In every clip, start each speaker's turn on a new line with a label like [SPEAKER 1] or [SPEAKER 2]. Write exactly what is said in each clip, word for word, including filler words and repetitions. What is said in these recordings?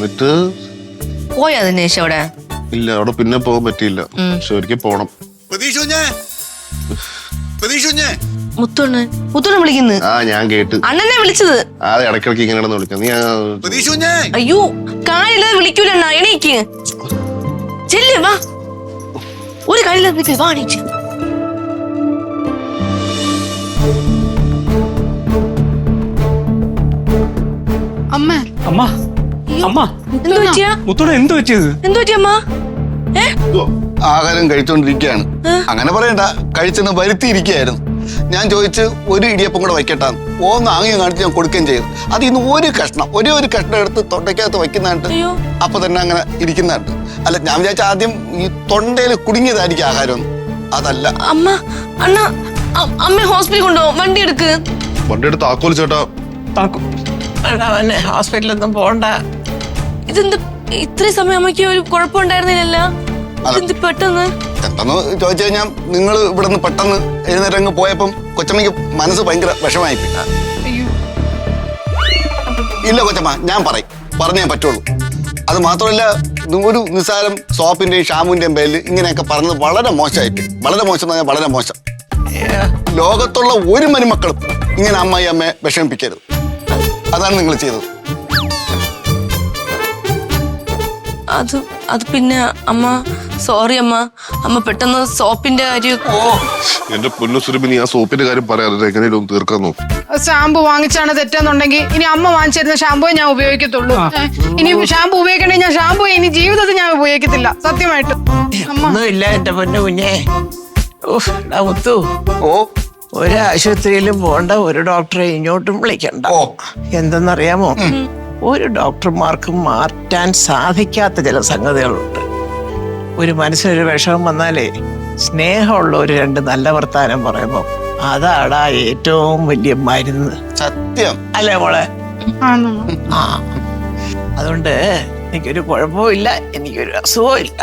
[SPEAKER 1] എന്നിട്ട്
[SPEAKER 2] പോയാ ദിനേശ് അവിടെ?
[SPEAKER 1] ഇല്ല, അവിടെ പിന്നെ പോകാൻ പറ്റിയില്ല. പക്ഷെ ഒരിക്കൽ പോണം.
[SPEAKER 2] മുത്തോണ് മുത്തോണ് വിളിക്കുന്നു.
[SPEAKER 1] ആ ഞാൻ കേട്ട്.
[SPEAKER 2] അണ്ണനെ വിളിച്ചത്.
[SPEAKER 1] ആ ഇടയ്ക്കിടയ്ക്ക് ഇങ്ങനെ വിളിക്കാം. നീ
[SPEAKER 2] അയ്യോ കാര്യമില്ലാതെ വിളിക്കൂല അണ്ണാ. എണീക്ക് ചെല്ല് വാ. ഒരു കാര്യമില്ലാതെ വാ എണീച്ച്.
[SPEAKER 3] അമ്മ
[SPEAKER 4] അമ്മ അമ്മ
[SPEAKER 2] എന്ത് പറ്റിയാ?
[SPEAKER 4] മുത്തോടെ എന്ത് പറ്റിയത്?
[SPEAKER 2] എന്ത് പറ്റി അമ്മ? ഏ
[SPEAKER 5] ആഹാരം കഴിച്ചോണ്ടിരിക്കുകയാണ്. അങ്ങനെ പറയണ്ട, കഴിച്ചെന്ന് വരുത്തിയിരിക്കുകയായിരുന്നു. ഞാൻ ചോദിച്ച് ഒരു ഇടിയപ്പം കൂടെ വയ്ക്കട്ടാന്ന്. ഓന്ന് ആംഗ്യം കാണിച്ച് ഞാൻ കൊടുക്കുകയും ചെയ്തു. അത് ഇന്ന് ഒരു കഷ്ണം ഒരേ ഒരു കഷ്ണം എടുത്ത് തൊണ്ടയ്ക്കകത്ത് വയ്ക്കുന്നതായിട്ട് അപ്പൊ തന്നെ അങ്ങനെ ഇരിക്കുന്നതായിട്ട്. അല്ല, ഞാൻ വിചാരിച്ച ആദ്യം ഈ തൊണ്ടയിൽ കുടുങ്ങിയതായിരിക്കും ആഹാരം. അതല്ല
[SPEAKER 2] അമ്മ. അണ്ണ അമ്മ ഹോസ്പിറ്റലിൽ കൊണ്ടുപോകും. വണ്ടി എടുക്ക്.
[SPEAKER 1] വണ്ടി എടുത്ത് താക്കോൽ ചേട്ടാ.
[SPEAKER 6] ഹോസ്പിറ്റലൊന്നും പോണ്ട.
[SPEAKER 2] ഇതെന്ത് ഇത്രയും സമയം അമ്മയ്ക്ക് ഒരു കുഴപ്പമുണ്ടായിരുന്നില്ലല്ലോ? പെട്ടെന്ന്
[SPEAKER 5] പെട്ടെന്ന് ചോദിച്ചു കഴിഞ്ഞാൽ നിങ്ങൾ ഇവിടെ നിന്ന് പെട്ടെന്ന് എഴുന്നേരങ്ങ് പോയപ്പം കൊച്ചമ്മയ്ക്ക് മനസ്സ് ഭയങ്കര വിഷമായി. ഇല്ല കൊച്ചമ്മ, ഞാൻ പറയും, പറഞ്ഞേ പറ്റുള്ളൂ. അത് മാത്രമല്ല, ഒരു നിസ്സാരം സോപ്പിന്റെയും ഷാമ്പുവിന്റെയും പേരിൽ ഇങ്ങനെയൊക്കെ പറഞ്ഞത് വളരെ മോശമായിട്ട്. വളരെ മോശം എന്ന് പറഞ്ഞാൽ വളരെ മോശം. ലോകത്തുള്ള ഒരു മരുമക്കളും ഇങ്ങനെ അമ്മായി അമ്മയെ വിഷമിപ്പിക്കരുത്. അതാണ് നിങ്ങൾ ചെയ്തത്.
[SPEAKER 2] അത് അത് പിന്നെ അമ്മ സോറി അമ്മ. അമ്മ പെട്ടെന്ന് സോപ്പിന്റെ കാര്യം.
[SPEAKER 1] എന്റെ പൊന്നു സുരഭിനി, ആ സോപ്പിന്റെ കാര്യം പറയാതെ എങ്ങനെയും തീർക്കാൻ നോക്കും.
[SPEAKER 3] ഷാമ്പു വാങ്ങിച്ചാണ് തെറ്റെന്നുണ്ടെങ്കിൽ ഇനി അമ്മ വാങ്ങിച്ചിരുന്ന ഷാമ്പുവേ ഞാൻ ഉപയോഗിക്കത്തുള്ളൂ. ഇനി ഷാമ്പു ഉപയോഗിക്കണേ ഞാൻ ഷാമ്പു ഇനി ജീവിതത്തിൽ ഞാൻ ഉപയോഗിക്കത്തില്ല, സത്യമായിട്ട്.
[SPEAKER 6] ഒന്നുമില്ല എന്റെ പൊന്നു കുഞ്ഞെ. മുത്തു,
[SPEAKER 5] ഓ
[SPEAKER 6] ഒരാശുപത്രിയിലും പോണ്ട, ഒരു ഡോക്ടറെ ഇങ്ങോട്ടും വിളിക്കണ്ട. എന്തെന്നറിയാമോ, ഒരു ഡോക്ടർമാർക്ക് മാറ്റാൻ സാധിക്കാത്ത ചില സംഗതികളുണ്ട്. ഒരു മനസ്സിനൊരു വിഷമം വന്നാലേ സ്നേഹമുള്ള ഒരു രണ്ട് നല്ല വർത്താനം പറയുമ്പോ അതാടാ ഏറ്റവും വലിയ മരുന്ന്.
[SPEAKER 5] സത്യം
[SPEAKER 6] അല്ലേ മോളെ? ആ, അതുകൊണ്ട് എനിക്കൊരു കുഴപ്പവും ഇല്ല, എനിക്കൊരു അസുഖവും ഇല്ല.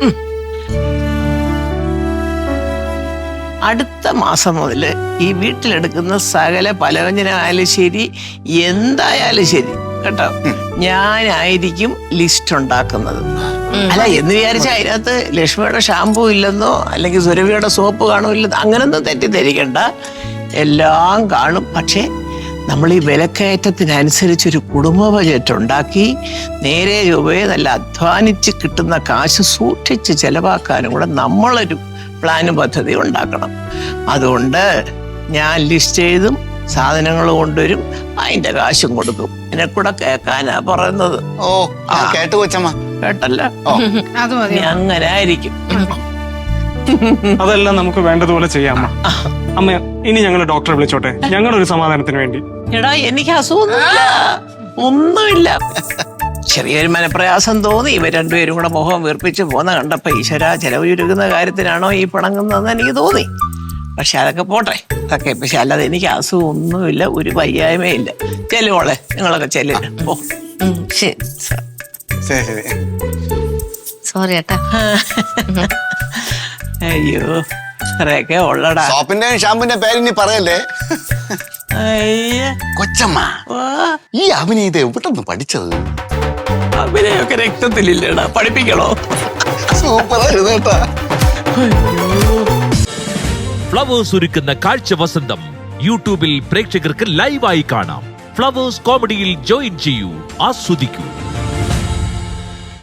[SPEAKER 6] അടുത്ത മാസം മുതൽ ഈ വീട്ടിലെടുക്കുന്ന സകല പലവ്യഞ്ജനമായാലും ശരി, എന്തായാലും ശരി കേട്ടോ, ഞാനായിരിക്കും ലിസ്റ്റ് ഉണ്ടാക്കുന്നത്. അല്ല, എന്ന് വിചാരിച്ചാൽ അതിനകത്ത് ലക്ഷ്മിയുടെ ഷാമ്പു ഇല്ലെന്നോ അല്ലെങ്കിൽ സുരഭിയുടെ സോപ്പ് കാണുമില്ലെന്നോ അങ്ങനൊന്നും തെറ്റിദ്ധരിക്കണ്ട. എല്ലാം കാണും. പക്ഷേ നമ്മൾ ഈ വിലക്കയറ്റത്തിനനുസരിച്ചൊരു കുടുംബ ബജറ്റ് ഉണ്ടാക്കി നേരെ രൂപയെ നല്ല അധ്വാനിച്ച് കിട്ടുന്ന കാശ് സൂക്ഷിച്ച് ചെലവാക്കാനും കൂടെ നമ്മളൊരു പ്ലാനും പദ്ധതി ഉണ്ടാക്കണം. അതുകൊണ്ട് ഞാൻ ലിസ്റ്റ് ചെയ്തും സാധനങ്ങൾ കൊണ്ടുവരും, അതിന്റെ കാശും കൊടുക്കും. എന്നെ കൂടെ കേൾക്കാനാ പറയുന്നത്.
[SPEAKER 5] ഓ കേട്ടു കൊച്ചമ്മ,
[SPEAKER 6] കേട്ടല്ല? അങ്ങനെ ആയിരിക്കും.
[SPEAKER 4] അതെല്ലാം നമുക്ക് വേണ്ടതുപോലെ ചെയ്യാം അമ്മ. അമ്മ, ഇനി ഞങ്ങൾ ഡോക്ടറെ വിളിച്ചോട്ടെ, ഞങ്ങളൊരു സമാധാനത്തിന് വേണ്ടി.
[SPEAKER 6] എടാ, എനിക്ക് അസുഖമൊന്നുമില്ല, ഒന്നുമില്ല. ചെറിയൊരു മനപ്രയാസം തോന്നി. ഇവർ രണ്ടുപേരും കൂടെ മുഖം വീർപ്പിച്ച് പോന്ന കണ്ടപ്പോ ഈശ്വര ചെലവ് ചുരുക്കുന്ന കാര്യത്തിനാണോ ഈ പിണങ്ങുന്നതെന്ന് എനിക്ക് തോന്നി. പക്ഷെ അതൊക്കെ പോട്ടെ, അതൊക്കെ. പക്ഷെ അല്ലാതെ എനിക്ക് അസുഖം ഒന്നുമില്ല, ഒരു വയ്യായ്മയില്ല. ചെല്ലുമോളെ, നിങ്ങളൊക്കെ ചെല്ലില്ല. ഓ
[SPEAKER 5] ശരി.
[SPEAKER 2] സോറി ഏട്ടാ.
[SPEAKER 6] അയ്യോ, അത്രയൊക്കെ ഉള്ളടാ.
[SPEAKER 5] സോപ്പിന്റെയും ഷാമ്പുവിന്റെ പേര് ഇനി പറയല്ലേ. കൊച്ചമ്മ, ഈ അഭിനയത് എവിടെന്ന് പഠിച്ചത്?
[SPEAKER 6] അഭിനയൊക്കെ രക്തത്തിലില്ലടാ, പഠിപ്പിക്കണോ?
[SPEAKER 5] സൂപ്പറായിരുന്നു കേട്ടാ.
[SPEAKER 7] ഫ്ലവേഴ്സ് ഒരുക്കുന്ന കാഴ്ച വസന്തം യൂട്യൂബിൽ പ്രേക്ഷകർക്ക് ലൈവായി കാണാം. ഫ്ലവേഴ്സ് കോമഡിയിൽ ജോയിൻ ചെയ്യൂ, ആസ്വദിക്കൂ.